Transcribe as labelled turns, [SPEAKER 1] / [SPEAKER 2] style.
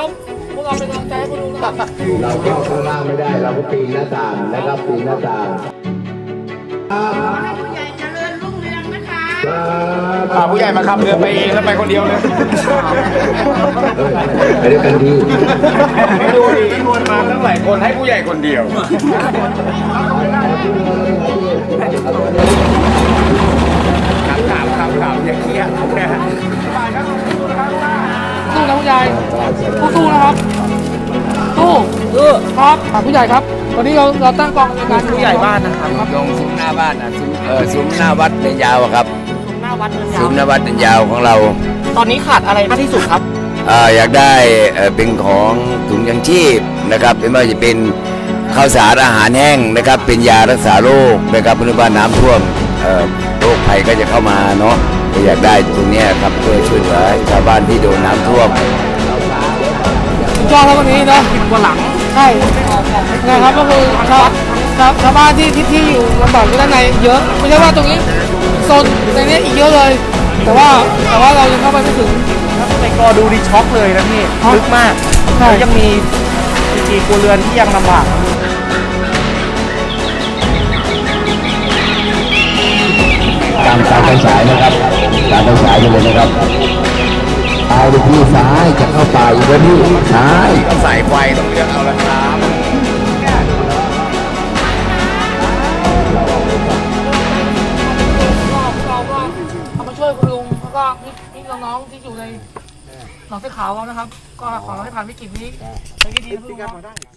[SPEAKER 1] พวกเราเป็นกำลังใจให้คุณลุงนะครับ
[SPEAKER 2] เราเข้าข้างล่างไม่ได้เราก็ปีนหน้าต่างนะครับปีนหน้าต่าง
[SPEAKER 3] ให้ผู้ใหญ่เจริญรุ่งเรืองนะคะ
[SPEAKER 4] พาผู้ใหญ่มาขับเรือไปเองแล้วไปคนเดียวเลย
[SPEAKER 2] ไปด้วยกันดี
[SPEAKER 4] ไม่ดูดิชวนมาตั้งหลายคนให้ผู้ใหญ่คนเดียวถามอย่าเครียดนะ
[SPEAKER 1] สู้นะผู้ใหญ่สู้ๆนะครับสู้ครับผู้ใหญ่ครับวันนี้เราตั้งกองในการผู้ใหญ่บ้านนะครับ
[SPEAKER 5] ตรงซุ้มหน้าบ้านนะซุ้มหน้าวัดเนินยาวอะครับ
[SPEAKER 1] หน้าวัดเนินยา
[SPEAKER 5] ซุ้
[SPEAKER 1] ว
[SPEAKER 5] มหน้าวัดเนินยาวของเรา
[SPEAKER 1] ตอนนี้ขาดอะไรมากที่สุดครับ
[SPEAKER 5] อยากได้เป็นของถุงยังชีพนะครับไม่ว่าจะเป็นข้าวสารอาหารแห้งนะครับเป็นยารักษาโรคนะครับเพื่อว่าน้ำท่วมโรคภัยก็จะเข้ามาเนาะก็อยากได้ตรงเนี้ยครับเพื่อช่วยเหลือชาวบ้านที่โดนน้ำท่วม
[SPEAKER 1] ยอดแล้ววันนี้นะ10 กว่าหลังใช่นะครับก็คือชาวบ้านที่อยู่ลำบากที่ด้านในเยอะไม่ใช่ว่าตรงนี้โซนในนี้อีกเยอะเลย แต่ว่าเรายังเข้าไปไม่ถึง
[SPEAKER 6] ในกอดูดีช็อกเลยนะพี่ลึกมาก
[SPEAKER 1] ใช่
[SPEAKER 6] แล้วยังมีกี่ครัวเรือนที่ยังลำบาก
[SPEAKER 2] ตามไฟฉายนะครับตามไฟฉายไปเลยนะครับเอาไปที่ซ้ายจะเข้าป่าอีกแล้วนี่ซ้าย
[SPEAKER 4] ต้องสายไฟต้องเลือกเอาละครับ
[SPEAKER 1] เราก็เอามาช่วยคุณลุงแล้วก็พี่น้องๆที่อยู่ในหนองเสื้อขาวนะครับ ก็ขอให้ผ่านวิกฤตนี้ไปได้ดีนะคุณลุง